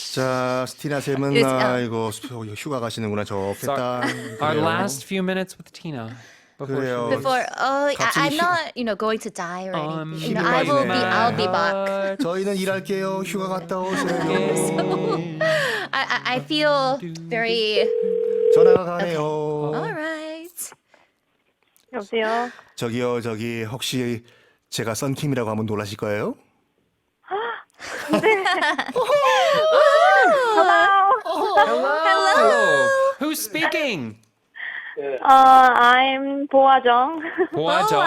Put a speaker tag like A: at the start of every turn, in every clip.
A: 자, 스티나 쌤은 아이고 휴가 가시는구나. 좋겠다.
B: Our
A: 그래요.
B: last few minutes with Tina. Before she
A: 그래요.
B: leaves.
C: Before,
A: 갑자기
C: I'm not, going to die or anything.
A: 힘이
C: I'll be
A: 빠지네.
C: back.
A: 저희는 일할게요. 휴가 갔다 오세요.
C: I feel very.
A: 전화가 가네요.
C: All right.
D: 여보세요?
A: 저기요, 저기 혹시 제가 썬킴이라고 하면 놀라실 거예요?
B: Hello. Who's speaking?
D: I'm 보아정.
B: 보아정.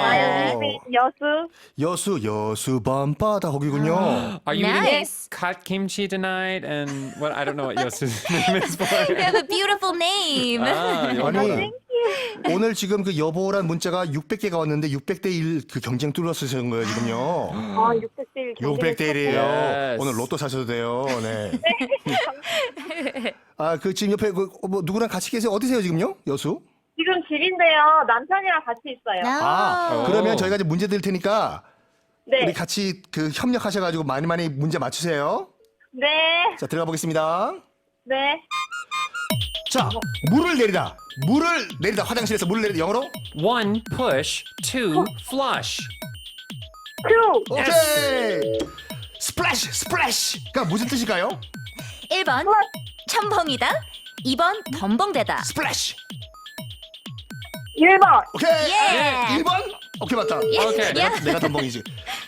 D: 여수.
A: 여수 밤바다 거기군요.
B: Are you
C: Nice.
B: eating kat kimchi tonight? And what? I don't know what Yosu's name is for.
C: You have a beautiful name.
A: 아니 오늘 지금 그 여보란 문자가 600개가 왔는데 600대 1 그 경쟁 뚫었으신 거예요 지금요.
D: 아, 600대 1.
A: 600대 1이에요.
B: Yes.
A: 오늘 로또 사셔도 돼요. 네. 아 그 지금 옆에 뭐 누구랑 같이 계세요? 어디세요 지금요? 여수?
D: 지금 집인데요. 남편이랑 같이 있어요.
A: 아 그러면 저희가 이제 문제 드릴 테니까
D: 네.
A: 우리 같이 그 협력하셔가지고 많이 문제 맞추세요.
D: 네.
A: 자 들어가 보겠습니다.
D: 네.
A: 자 물을 내리다 화장실에서 물을 내리다 영어로
B: One push, two flush.
D: 큐.
A: 오케이 스플래시가 무슨 뜻일까요?
C: 1번, 첨벙이다. 2번, 덤벙대다.
A: 스플래시
D: 1번.
A: 오케이
C: 예.
A: 1번 오케이 맞다
B: 오케이.
A: 내가 덤벙이지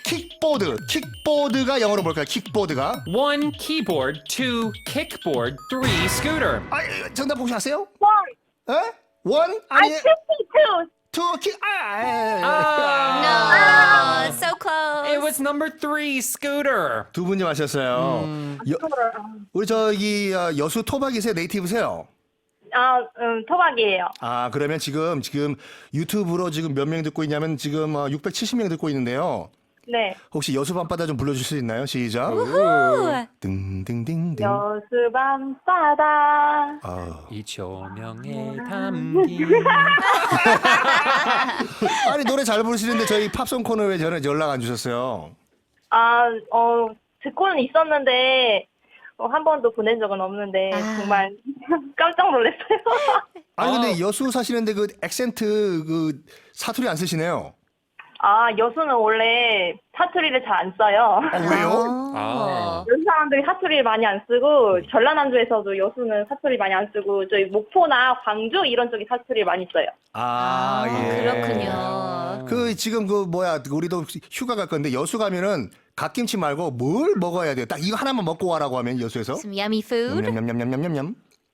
A: 킥보드가 영어로 뭘까요? 킥보드가
B: One keyboard, two kickboard, three scooter.
A: 아 정답 혹시 아세요?
D: 원.
A: 에? 원? 아니
D: 52.
A: 투 킥
C: No, so close.
B: It was number three, scooter.
A: 두 분이 마셨어요. 우리 저기 여수 토박이세요? 네이티브세요?
D: 토박이에요.
A: 아 그러면 지금 유튜브로 지금 몇 명 듣고 있냐면 지금 670명 듣고 있는데요.
D: 네.
A: 혹시 여수 밤바다 좀 불러줄 수 있나요? 시작.
C: Ooh.
A: 딩딩딩딩.
D: 여수 밤바다.
B: 이 조명에 담긴.
A: 아니 노래 잘 부르시는데 저희 팝송 코너에 왜 전에 연락 안 주셨어요?
D: 듣고는 있었는데 한 번도 보낸 적은 없는데
C: 아.
D: 정말 깜짝 놀랐어요.
A: 아니 근데 여수 사시는데 그 액센트 그 사투리 안 쓰시네요.
D: 여수는 원래 사투리를 잘 안 써요.
A: 왜요?
B: 아.
D: 여수 사람들이 사투리를 많이 안 쓰고 전라남도에서도 여수는 사투리 많이 안 쓰고 저희 목포나 광주 이런 쪽이 사투리를 많이 써요.
A: 예.
C: 그렇군요.
A: 그 지금 그 뭐야 우리도 휴가 갈 건데 여수 가면은 갓김치 말고 뭘 먹어야 돼요? 딱 이거 하나만 먹고 와라고 하면 여수에서
C: Some yummy food.
A: 냠냠냠냠냠냠.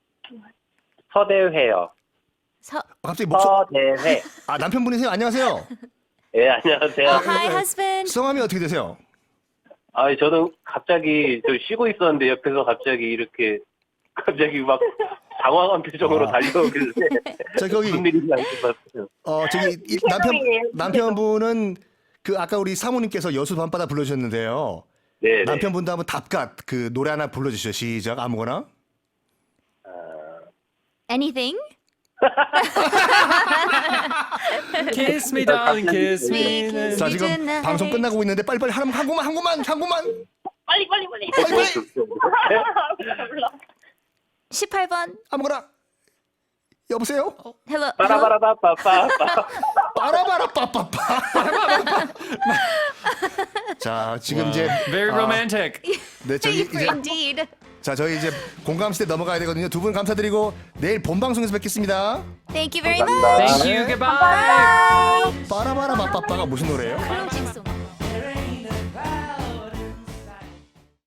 E: 서대회요.
A: 갑자기 목소
E: 서대회.
A: 아 남편분이세요? 안녕하세요.
E: 예, 안녕하세요.
C: Hi, husband.
A: 성함이 어떻게 되세요?
E: 저는 갑자기 저 쉬고 있었는데 옆에서 갑자기 막 당황한 표정으로 달려오길래
A: 자 거기
E: 무슨 일인지 알 것 같아요.
A: 저기 이 남편분은 그 아까 우리 사모님께서 여수 밤바다 불러주셨는데요.
E: 네.
A: 남편분도 한번 답갓 그 노래 하나 불러주시죠. 시작 아무거나.
C: Anything?
B: Kiss me, darling, kiss me.
C: Kiss
A: 자
C: me
A: 지금
C: tonight.
A: 방송 끝나고 있는데 빨리빨리 한 곡만.
D: 빨리.
A: 빨리빨리
C: 18번.
A: 아무거나. 여보세요?
C: Hello.
E: 빠라바라바빠빠.
A: 빠라바라 빠빠빠. 자 지금 이제
B: Very romantic.
A: 네 저기 이제
C: Indeed.
A: 자 저희 이제 공감 시대 넘어가야 되거든요. 두 분 감사드리고 내일 본 방송에서 뵙겠습니다.
C: Thank you very much.
B: Thank you. Goodbye.
A: 빠라바라 빠빠빠가 무슨 노래예요?
C: Closing song.